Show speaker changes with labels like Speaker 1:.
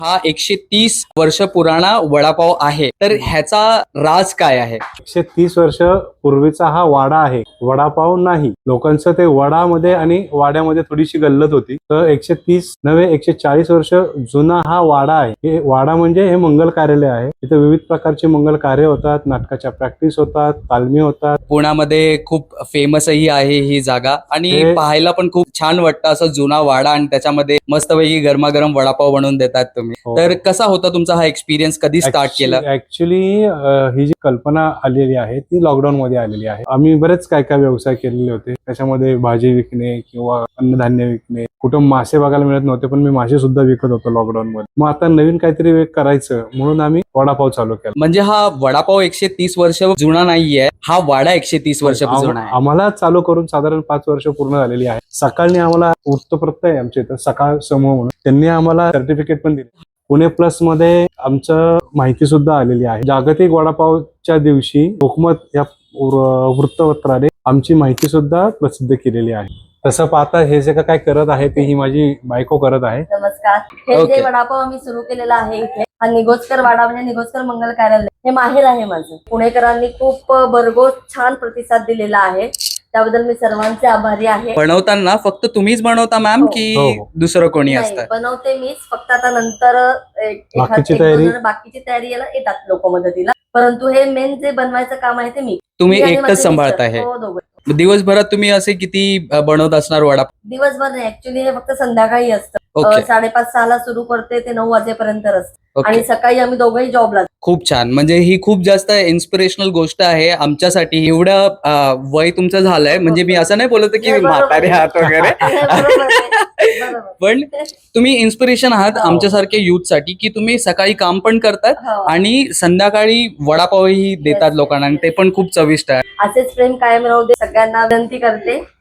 Speaker 1: हा 130 वर्ष पुराणा वडापाव आहे, तर ह्याचा राज काय आहे?
Speaker 2: 130 वर्ष पूर्वीचा हा वाडा आहे, वडापाव नाही. लोकांचं ते वडामध्ये आणि वाड्यामध्ये थोडीशी गल्लत होती. तर 130 नव्हे 140 वर्ष जुना हा वाडा आहे. हे वाडा म्हणजे हे मंगल कार्यालय आहे. इथे विविध प्रकारचे मंगल कार्य होतात, नाटकाच्या प्रॅक्टिस होतात, तालमी होतात.
Speaker 1: पुण्यामध्ये खूप फेमसही आहे ही जागा आणि पाहायला पण खूप छान वाटतं, असं जुना वाडा आणि त्याच्यामध्ये मस्तपैकी गरमागरम वडापाव बनवून देतात तुम्ही. तर कसा होता तुमचा हा एक्सपिरियन्स? कधी स्टार्ट केला?
Speaker 2: ऍक्च्युली ही जी कल्पना आलेली आहे ती लॉकडाऊन मध्ये आलेली आहे. आम्ही बरेच काय काय व्यवसाय केलेले होते, त्याच्यामध्ये भाजी विकणे किंवा अन्नधान्य विकणे. कुठं मासे बघायला मिळत नव्हते, पण मी मासे सुद्धा विकत होतो लॉकडाऊन मध्ये. मग आता नवीन काहीतरी करायचं म्हणून आम्ही वडापाव चालू केला.
Speaker 1: म्हणजे हा वडापाव 130 वर्ष जुना नाहीये, हा वाडा 130 वर्ष जुना आहे.
Speaker 2: आम्हाला चालू करून साधारण 5 वर्ष पूर्ण झालेली आहे. सकाळी आम्हाला वृत्तपत्र आहे आमच्या इथं, सकाळ समूह म्हणून, त्यांनी आम्हाला सर्टिफिकेट पण दिले. पुणे प्लस मध्ये आमचं माहिती सुद्धा आलेली आहे. जागतिक वडापावच्या दिवशी लोकमत या वृत्तपत्राने आमची माहिती सुद्धा प्रसिद्ध केलेली आहे. तसं पाहता हे जे काय करत आहे ते ही माझी बायको करत आहे.
Speaker 3: नमस्कार. हे जे वडापाव आम्ही सुरू केलेला आहे इथे, हा निगोजकर वाडा म्हणजे निगोजकर मंगल कार्यालय, हे माहेर आहे माझं. पुणेकरांनी खूप भरघोस छान प्रतिसाद दिलेला आहे, त्याबद्दल मी सर्वांचे आभारी आहे.
Speaker 1: बनवताना फक्त तुम्हीच बनवता मॅम की दुसरं कोणी असतं?
Speaker 3: बनवते मीच, फक्त आता नंतर
Speaker 2: बाकीची
Speaker 3: तयारी याला येतात लोक मदतीला, परंतु हे मेन जे बनवायचं काम आहे ते मी.
Speaker 1: तुम्ही एकटंच सांभाळता हे? दिवसभरात तुम्ही असे किती बनवत असणार वडापाव?
Speaker 3: दिवसभर नाही, ऍक्च्युली हे फक्त संध्याकाळी असतं. 5:30-6 ला सुरू करते ते 9 वाजेपर्यंत असतं. आणि सकाळी आम्ही दोघंही जॉबला.
Speaker 1: खूप छान. म्हणजे ही खूप जास्त इन्स्पिरेशनल गोष्ट आहे आमच्यासाठी. एवढं वय तुमचं झालंय, म्हणजे मी असं नाही बोलत की म्हातारे आहात वगैरे, पण तुम्ही इन्स्पिरेशन आहात आमच्यासारख्या युथ साठी, की तुम्ही सकाळी काम पण करतात आणि संध्याकाळी वडापावही देतात लोकांना, आणि ते पण खूप चविष्ट आहे.
Speaker 3: असेच प्रेम कायम राहू दे, सगळ्यांना विनंती करते.